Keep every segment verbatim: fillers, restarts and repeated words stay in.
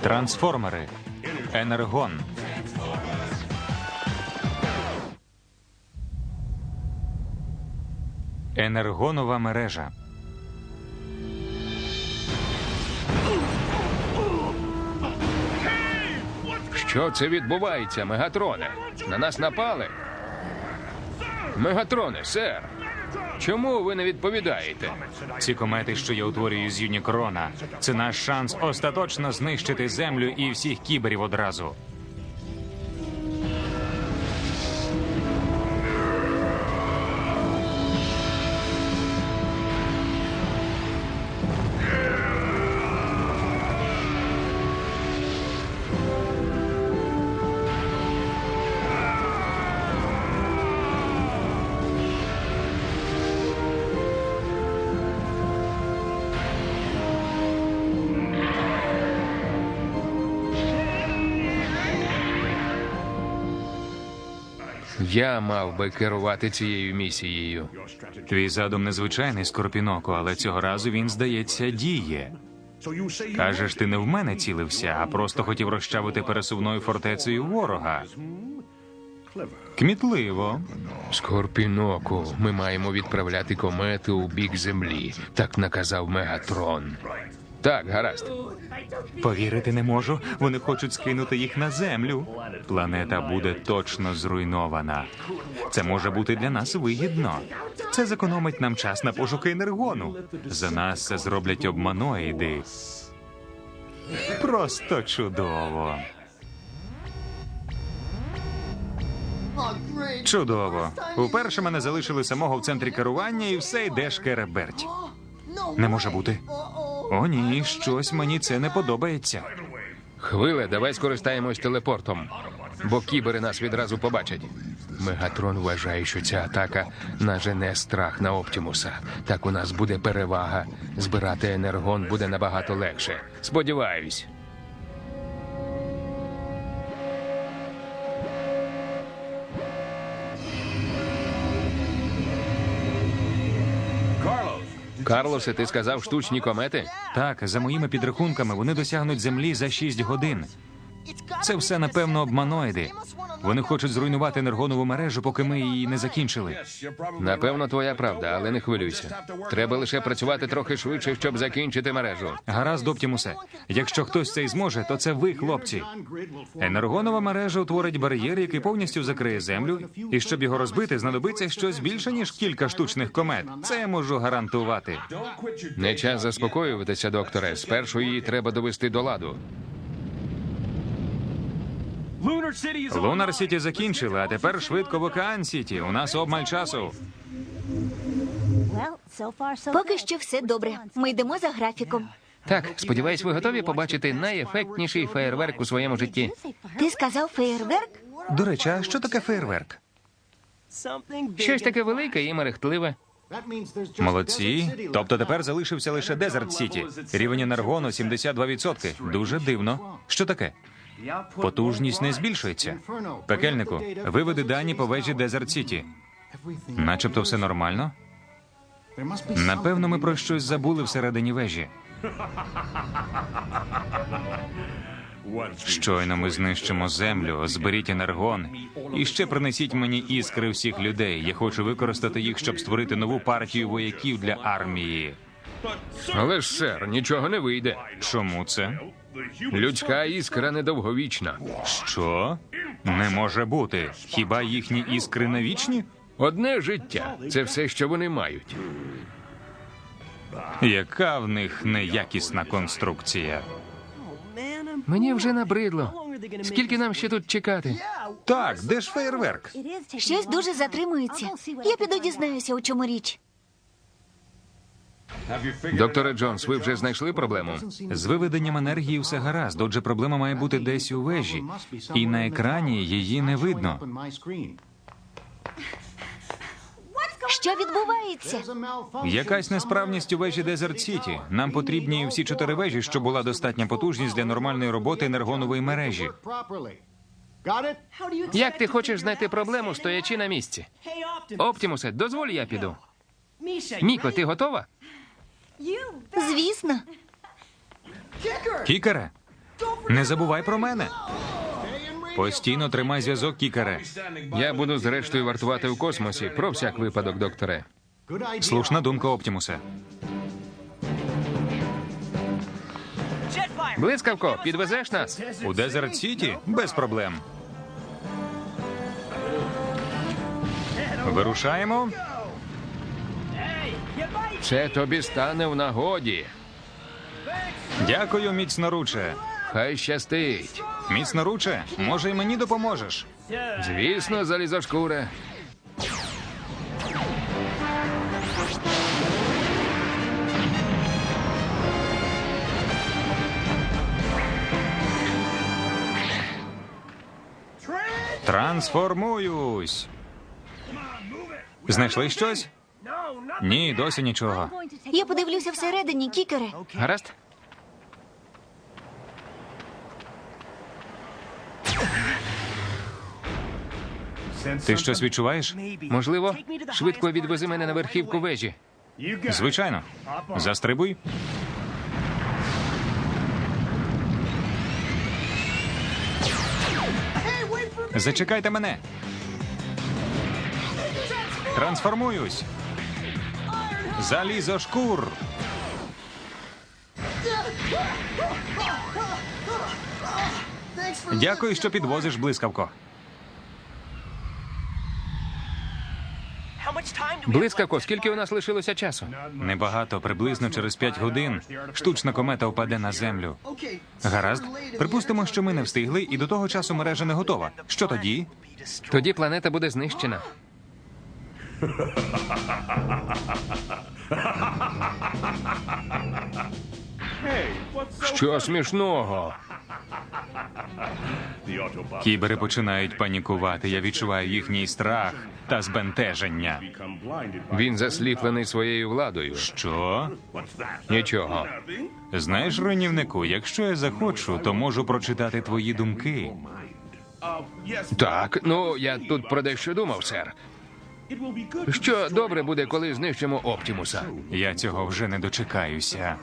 Трансформери. Енергон. Енергонова мережа. Що це відбувається, Мегатроне? На нас напали? Мегатроне, сер! Чому ви не відповідаєте? Ці комети, що я утворюю з Юнікрона, це наш шанс остаточно знищити Землю і всіх кіберів одразу. Я мав би керувати цією місією. Твій задум незвичайний, Скорпіноко, але цього разу він, здається, діє. Кажеш, ти не в мене цілився, а просто хотів розчавити пересувною фортецею ворога. Кмітливо. Скорпіноку, ми маємо відправляти комети у бік Землі. Так наказав Мегатрон. Так, гаразд. Повірити не можу. Вони хочуть скинути їх на Землю. Планета буде точно зруйнована. Це може бути для нас вигідно. Це зекономить нам час на пошуки енергону. За нас це зроблять обманоїди. Просто чудово. Чудово. Уперше мене залишили самого в центрі керування, і все йде шкереберть. Не може бути. О, ні, щось мені це не подобається. Хвиле, давай скористаємось телепортом, бо кібери нас відразу побачать. Мегатрон вважає, що ця атака нажене страх на Оптімуса. Так у нас буде перевага. Збирати енергон буде набагато легше. Сподіваюсь. Карлосе, ти сказав штучні комети? Так, за моїми підрахунками, вони досягнуть Землі за шість годин. Це все, напевно, обманоїди. Вони хочуть зруйнувати енергонову мережу, поки ми її не закінчили. Напевно, твоя правда, але не хвилюйся. Треба лише працювати трохи швидше, щоб закінчити мережу. Гаразд, Оптімусе. Якщо хтось це й зможе, то це ви, хлопці. Енергонова мережа утворить бар'єр, який повністю закриє Землю, і щоб його розбити, знадобиться щось більше, ніж кілька штучних комет. Це я можу гарантувати. Не час заспокоюватися, докторе. Спершу її треба довести до ладу. Лунар Сіті закінчили, а тепер швидко в Океан Сіті. У нас обмаль часу. Поки що все добре. Ми йдемо за графіком. Так, сподіваюсь, ви готові побачити найефектніший феєрверк у своєму житті. Ти сказав феєрверк? До речі, а що таке фейерверк? Щось таке велике і мерехтливе. Молодці. Тобто тепер залишився лише Дезерт Сіті. Рівень енергону сімдесят два відсотки. Дуже дивно. Що таке? Потужність не збільшується. Пекельнику, виведи дані по вежі Дезерт Сіті. Начебто все нормально. Напевно, ми про щось забули всередині вежі. Щойно ми знищимо Землю, зберіть енергон і ще принесіть мені іскри всіх людей. Я хочу використати їх, щоб створити нову партію вояків для армії. Але ж, сер, нічого не вийде. Чому це? Людська іскра недовговічна. Що? Не може бути. Хіба їхні іскри не вічні? Одне життя – це все, що вони мають. Яка в них неякісна конструкція? Мені вже набридло. Скільки нам ще тут чекати? Так, де ж фейерверк? Щось дуже затримується. Я піду дізнаюся, у чому річ. Докторе Джонс, ви вже знайшли проблему? З виведенням енергії все гаразд, отже проблема має бути десь у вежі. І на екрані її не видно. Що відбувається? Якась несправність у вежі Дезерт Сіті. Нам потрібні всі чотири вежі, щоб була достатня потужність для нормальної роботи енергонової мережі. Як ти хочеш знайти проблему, стоячи на місці? Оптімусе, дозволь, я піду. Міко, ти готова? Звісно. Кікере, Не забувай про мене. Постійно тримай зв'язок, Кікере. Я буду зрештою вартувати у космосі. Про всяк випадок, докторе. Слушна думка, Оптімусе. Блискавко, підвезеш нас? У Дезерт Сіті? Без проблем. Вирушаємо. Це тобі стане в нагоді. Дякую, міцноруче. Хай щастить. Міцноруче, може, й мені допоможеш? Звісно, залізошкуре. Трансформуюсь. Знайшли щось? Ні, досі нічого. Я подивлюся всередині, Кікере. Гаразд? Ти щось відчуваєш? Можливо, швидко відвези мене на верхівку вежі. Звичайно. Застрибуй. Зачекайте мене. Трансформуюсь. Залізошкур. Дякую, що підвозиш, блискавко. Блискавко, скільки у нас лишилося часу? Небагато, приблизно через п'ять годин штучна комета впаде на землю. Гаразд. Припустимо, що ми не встигли, і до того часу мережа не готова. Що тоді? Тоді планета буде знищена. Що смішного? Кібери починають панікувати. Я відчуваю їхній страх та збентеження. Він засліплений своєю владою. Що? Нічого. Знаєш, руйнівнику, якщо я захочу, то можу прочитати твої думки. Так, ну я тут про дещо думав, сер. Що добре буде, коли знищимо Оптімуса? Я цього вже не дочекаюся.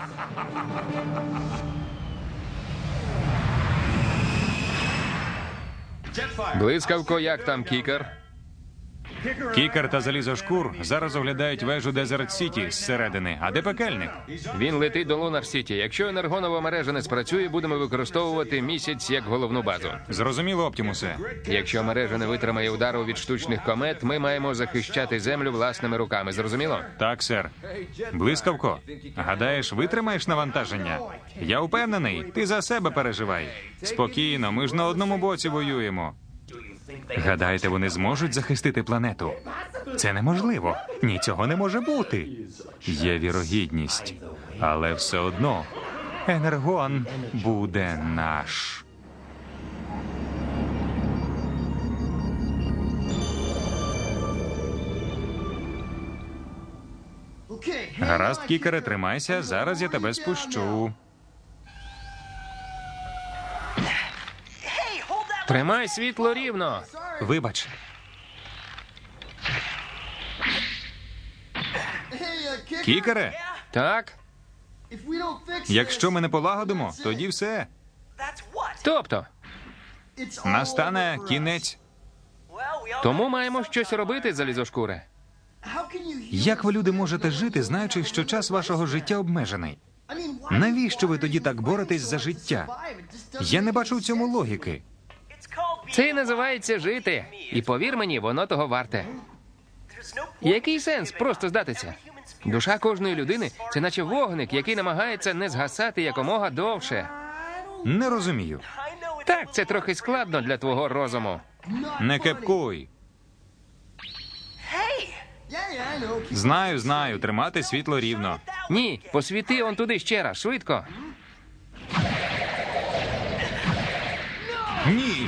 Блискавко, як там кікер? Кікер та залізошкур зараз оглядають вежу Дезерт Сіті зсередини. А де пекельник? Він летить до Лунар Сіті. Якщо енергонова мережа не спрацює, будемо використовувати місяць як головну базу. Зрозуміло, Оптімусе. Якщо мережа не витримає удару від штучних комет, ми маємо захищати землю власними руками. Зрозуміло? Так, сер. Блискавко, гадаєш, витримаєш навантаження? Я впевнений, ти за себе переживай. Спокійно, ми ж на одному боці воюємо. Гадаєте, вони зможуть захистити планету? Це неможливо. Ні, цього не може бути. Є вірогідність. Але все одно енергон буде наш. Гаразд, Кікере, тримайся, зараз я тебе спущу. Тримай світло рівно. Вибач. Кікере, Так? якщо ми не полагодимо, тоді все. Тобто? Настане кінець. Тому маємо щось робити, залізошкуре. Як ви, люди, можете жити, знаючи, що час вашого життя обмежений? Навіщо ви тоді так боретесь за життя? Я не бачу в цьому логіки. Це і називається жити. І повір мені, воно того варте. Який сенс просто здатися? Душа кожної людини – це наче вогник, який намагається не згасати якомога довше. Не розумію. Так, це трохи складно для твого розуму. Не кепкуй. Знаю, знаю, тримати світло рівно. Ні, посвіти он туди ще раз, швидко. Ні.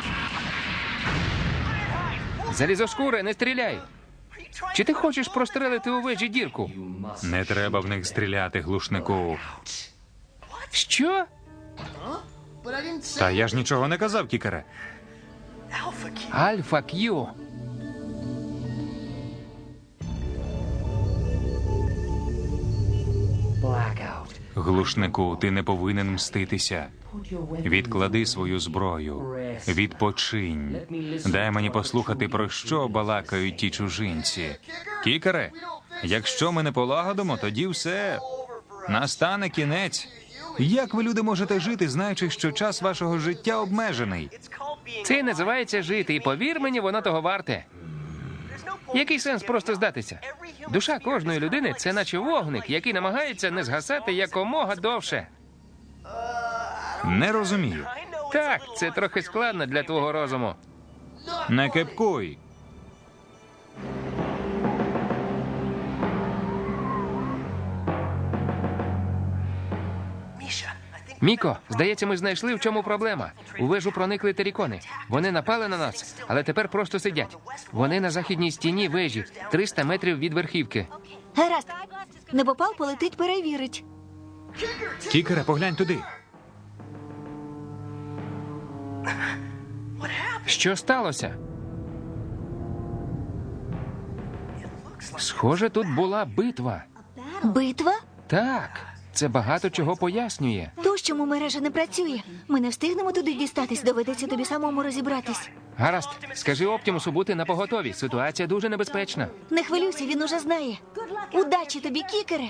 Залізошкуре, не стріляй. Чи ти хочеш прострелити у вежі дірку? Не треба в них стріляти, глушнику. Що? Та я ж нічого не казав, Кікере. Альфа Кью. Глушнику, ти не повинен мститися. Відклади свою зброю. Відпочинь. Дай мені послухати, про що балакають ті чужинці. Кікере, якщо ми не полагодимо, тоді все. Настане кінець. Як ви, люди, можете жити, знаючи, що час вашого життя обмежений? Це називається жити, і повір мені, воно того варте. Який сенс просто здатися? Душа кожної людини – це наче вогник, який намагається не згасати якомога довше. Не розумію. Так, це трохи складно для твого розуму. Не кепкуй. Міко, здається, ми знайшли, в чому проблема. У вежу проникли терікони. Вони напали на нас, але тепер просто сидять. Вони на західній стіні вежі, триста метрів від верхівки. Гаразд. Небопал полетить перевірить. Кікере, поглянь туди. Що сталося? Схоже, тут була битва. Битва? Так, це багато чого пояснює. То, чому мережа не працює. Ми не встигнемо туди дістатись, доведеться тобі самому розібратись. Гаразд, скажи Оптімусу бути напоготові. Ситуація дуже небезпечна. Не хвилюйся, він уже знає. Удачі тобі, Кікере.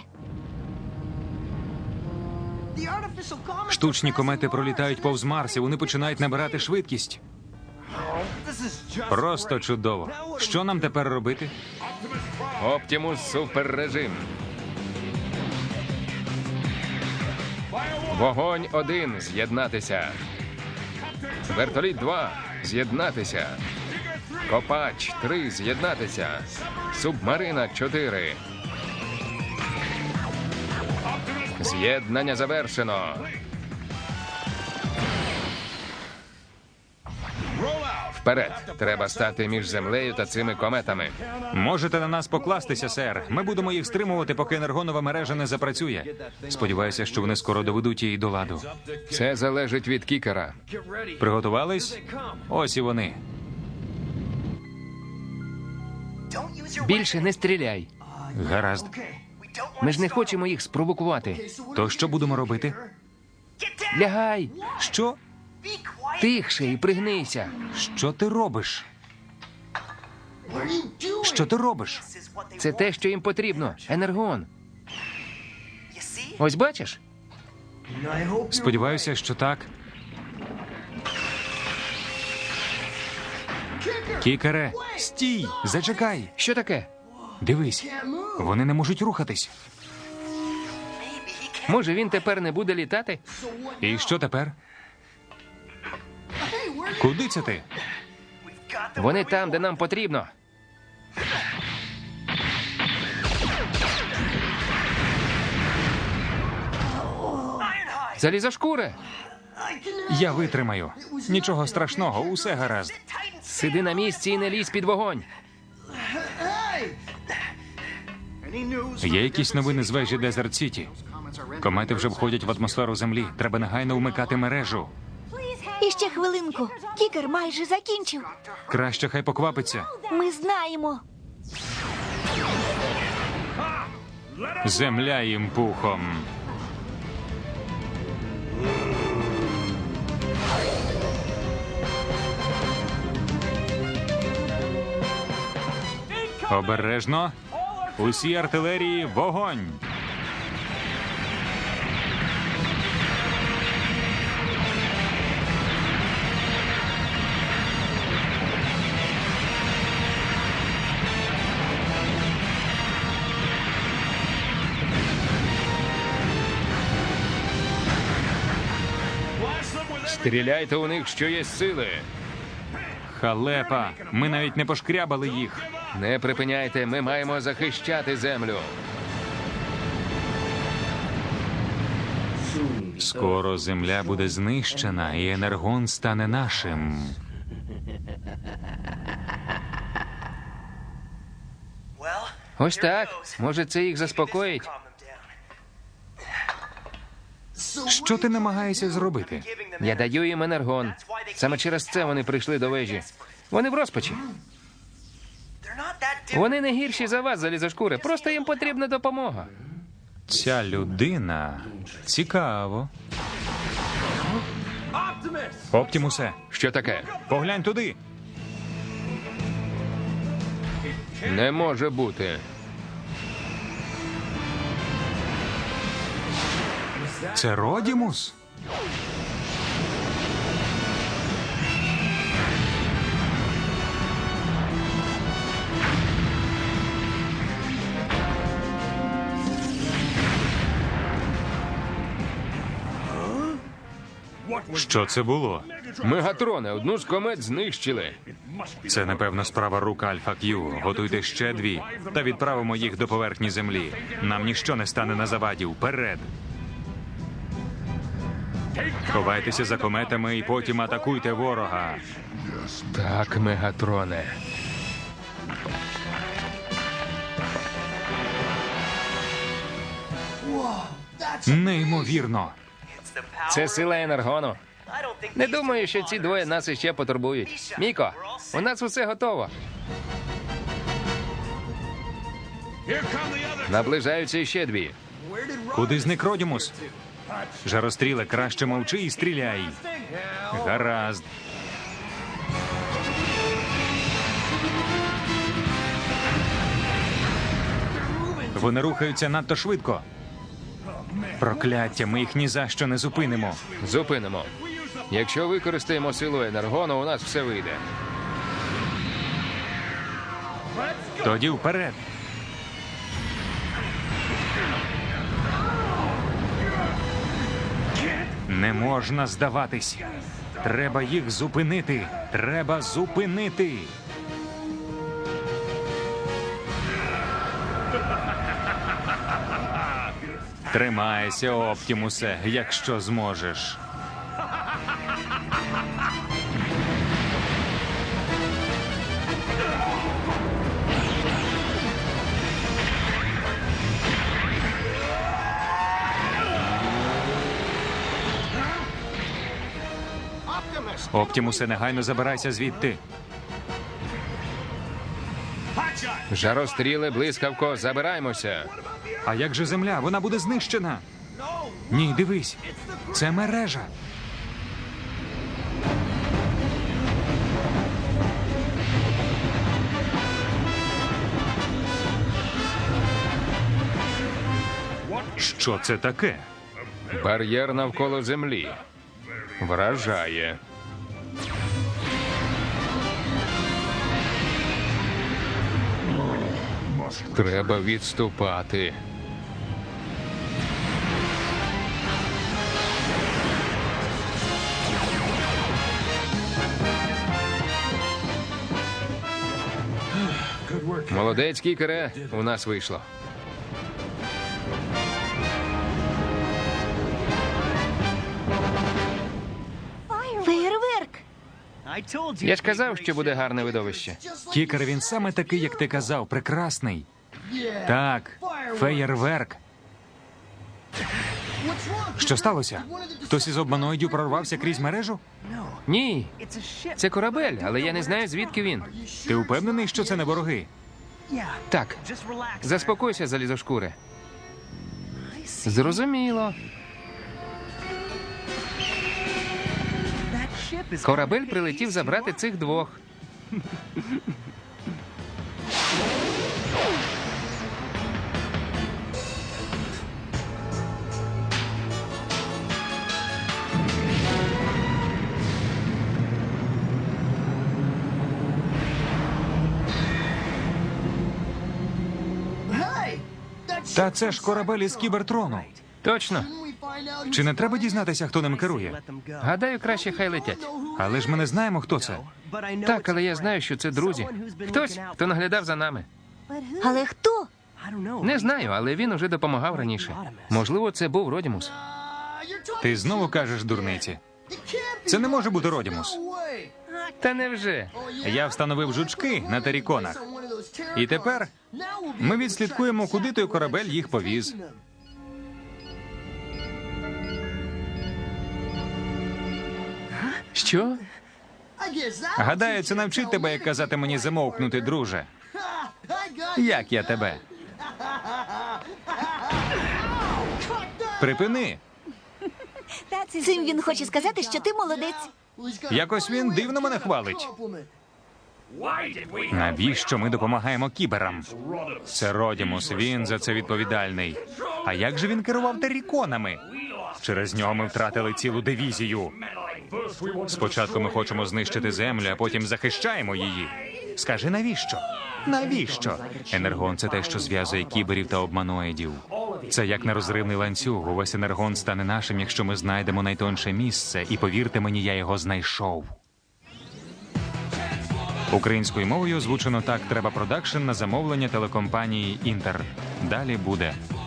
Штучні комети пролітають повз Марс, і вони починають набирати швидкість. Просто чудово. Що нам тепер робити? Оптімус суперрежим. Вогонь один з'єднатися. Вертоліт два з'єднатися. Копач три з'єднатися. Субмарина чотири. З'єднання завершено. Вперед! Треба стати між землею та цими кометами. Можете на нас покластися, сер. Ми будемо їх стримувати, поки енергонова мережа не запрацює. Сподіваюся, що вони скоро доведуть її до ладу. Це залежить від кікера. Приготувались? Ось і вони. Більше не стріляй. Гаразд. Ми ж не хочемо їх спровокувати. То що будемо робити? Лягай! Що? Тихше і пригнися. Що ти робиш? Що ти робиш? Це те, що їм потрібно. Енергон. Ось бачиш? Сподіваюся, що так. Кікере, стій! Зачекай! Що таке? Дивись, вони не можуть рухатись. Може, він тепер не буде літати? І що тепер? Куди це ти? Вони там, де нам потрібно. Залізошкури! Я витримаю. Нічого страшного, усе гаразд. Сиди на місці і не лізь під вогонь. Є якісь новини з вежі Дезерт Сіті? Комети вже входять в атмосферу Землі. Треба негайно вмикати мережу. І ще хвилинку. Кікер майже закінчив. Краще хай поквапиться. Ми знаємо. Земля їм пухом. Обережно. Усі артилерії, вогонь! Стріляйте у них, що є сили. Халепа! Ми навіть не пошкрябали їх. Не припиняйте, ми маємо захищати землю. Скоро земля буде знищена, і енергон стане нашим. Ось так. Може, це їх заспокоїть? Що ти намагаєшся зробити? Я даю їм енергон. Саме через це вони прийшли до вежі. Вони в розпачі. Вони не гірші за вас, залізошкури. Просто їм потрібна допомога. Ця людина цікаво. Оптімусе, Що таке? поглянь туди. Не може бути. Це Родімус? Що це було? Мегатроне, одну з комет знищили. Це, напевно, справа рук Альфа Кью. Готуйте ще дві та відправимо їх до поверхні землі. Нам ніщо не стане на заваді. Вперед! Ховайтеся за кометами і потім атакуйте ворога. Так, Мегатроне. Неймовірно. Це сила енергону. Не думаю, що ці двоє нас іще потурбують. Міко, у нас усе готово. Наближаються ще дві. Куди зник Родімус? Жаростріле, краще мовчи і стріляй. Гаразд. Вони рухаються надто швидко. Прокляття, ми їх ні за що не зупинимо. Зупинимо. Якщо використаємо силу енергону, у нас все вийде. Тоді вперед. Не можна здаватись. Треба їх зупинити. Треба зупинити. Тримайся, Оптімусе, якщо зможеш. Оптімусе, негайно забирайся звідти. Жаростріле, блискавко, забираємося. А як же земля? Вона буде знищена. Ні, дивись. Це мережа. Що це таке? Бар'єр навколо землі. Вражає. Треба відступати. Молодець, кікере, у нас вийшло. Феєрверк! Я ж казав, що буде гарне видовище. Кікер, він саме такий, як ти казав, прекрасний. Так, феєрверк. Що сталося? Хтось із обманоїдів прорвався крізь мережу? Ні, це корабель, але я не знаю, звідки він. Ти впевнений, що це не вороги? Так, заспокойся, залізошкуре. Зрозуміло. Корабель прилетів забрати цих двох. Та це ж корабель із кібертрону. Точно. Чи не треба дізнатися, хто ним керує? Гадаю, краще хай летять. Але ж ми не знаємо, хто це. Так, але я знаю, що це друзі. Хтось, хто наглядав за нами. Але хто? Не знаю, але він уже допомагав раніше. Можливо, це був Родімус. Ти знову кажеш дурниці. Це не може бути Родімус. Та невже? Я встановив жучки на теріконах. І тепер ми відслідкуємо, куди той корабель їх повіз. Що? Гадаю, це навчить тебе, як казати мені замовкнути, друже. Як я тебе? Припини. Цим він хоче сказати, що ти молодець. Якось він дивно мене хвалить. Навіщо ми допомагаємо кіберам? Це Родімус, він за це відповідальний. А як же він керував теріконами? Через нього ми втратили цілу дивізію. Спочатку ми хочемо знищити землю, а потім захищаємо її. Скажи, навіщо? Навіщо? Енергон – це те, що зв'язує кіберів та обманоїдів. Це як нерозривний ланцюг. Увесь енергон стане нашим, якщо ми знайдемо найтонше місце. І повірте мені, я його знайшов. Українською мовою озвучено «Так треба продакшн» на замовлення телекомпанії «Інтер». Далі буде.